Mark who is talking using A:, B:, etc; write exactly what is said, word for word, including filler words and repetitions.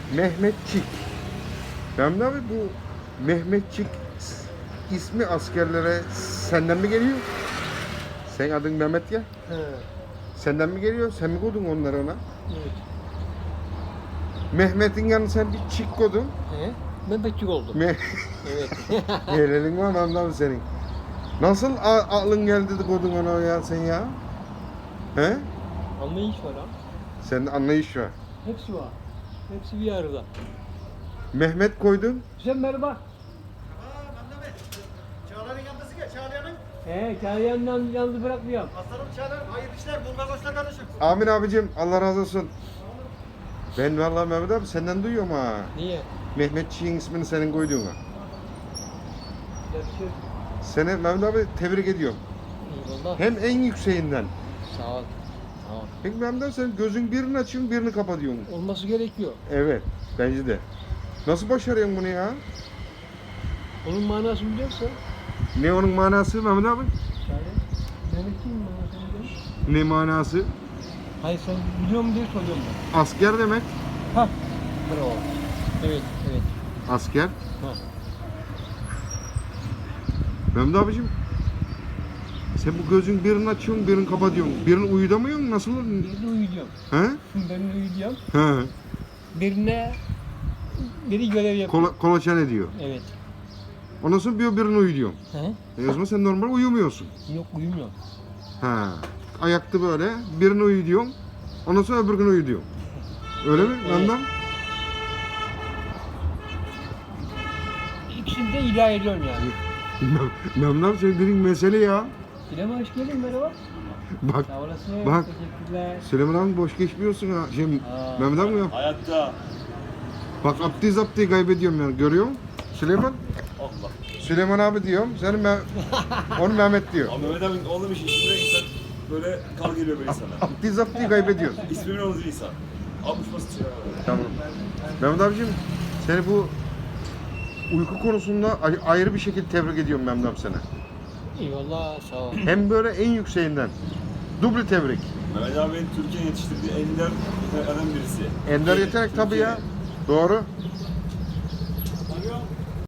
A: Mehmetçik. Mehmet abi bu Mehmetçik ismi askerlere senden mi geliyor? Sen adın Mehmet ya.
B: He.
A: Senden mi geliyor? Sen mi koydun onları ona?
B: Evet.
A: Mehmet'in yanına sen bir çik koydun.
B: He. Mehmetçik oldum.
A: Me
B: Evet.
A: Yerelin var Mehmet abi senin. Nasıl a- aklın geldi de koydun ona ya sen ya? He?
B: Anlayış var ha.
A: Senin anlayış var.
B: Hepsi var. Hepsi bir arada.
A: Mehmet koydun.
B: Sen merhaba.
C: Aa, Mehmet. Çağlar'ın yanındasın ya, Çağlayan'ın.
B: He, Çağlayan'dan yalnız bırakmıyorum.
C: Aslanım Çağlar, hayırlı işler, Bulgar kardeşim.
A: Amin abicim Allah razı olsun. Ben vallahi Mehmet abi senden duyuyorum ha.
B: Niye?
A: Mehmetçiğin ismini senin koyduğuna.
B: Yakışır.
A: Seni Mehmet abi tebrik ediyorum.
B: Eyvallah.
A: Hem en yükseğinden.
B: Sağ ol. Sağ ol.
A: Peki Mehmet abi sen gözün birini açıyorsun birini kapatıyorsun.
B: Olması gerekiyor.
A: Evet bence de. Nasıl başarıyorsun bunu ya?
B: Onun manasını biliyorsan.
A: Ne onun manası Mehmet abi?
B: Şöyle. Mehmetçiğin manasını biliyor musun?
A: Ne manası?
B: Hayır sen biliyor musun diye soruyorum ben.
A: Asker demek.
B: Ha. Bravo. Evet, evet.
A: Asker.
B: Ha.
A: Mehmet abicim sen bu gözün birini açıyorsun birini kapatıyorsun. Birini uyudamıyorsun nasıl?
B: Birini uyuyorum.
A: He?
B: Birini uyuyorum.
A: He.
B: Birine biri görev yapıyor.
A: Kola, kolaçan ediyor.
B: Evet.
A: Ondan sonra bir birini uyuyorsun.
B: He?
A: E o zaman sen normal uyumuyorsun.
B: Yok uyumuyorum.
A: Ha. Ayakta böyle birini uyuyorsun. Ondan sonra öbür gün uyuyorsun. Öyle mi?
B: Evet.
A: Ondan.
B: İkisini de idare ediyorum yani.
A: Mehmet abi senin dediğin mesele ya.
B: Bileme hoş geldin merhaba.
A: Bak
B: Sağ olasın.
A: Bak.
B: Teşekkürler.
A: Süleyman abi boş geçmiyorsun ha. Şimdi
B: Aa.
A: Mehmet abi ya.
C: Hayatta.
A: Bak abdi zaptiyi kaybediyorum yani görüyor musun? Süleyman.
C: Allah.
A: Süleyman abi diyorum. Senin Me onu Mehmet diyor.
D: Abi Mehmet abi oğlum iş ismine insan böyle kal geliyor böyle insana.
A: Abdi zaptiyi kaybediyorsun.
D: İsmini olur insan. Almış basit ya.
A: Tamam. Mehmet abicim seni bu uyku konusunda ay- ayrı bir şekilde tebrik ediyorum Mehmet abi sana.
B: Eyvallah sağ ol.
A: Hem böyle en yükseğinden. Duble tebrik.
D: Mehmet abi Türkiye'nin yetiştirdiği ender eren birisi.
A: Ender yetenek tabii ya. Doğru.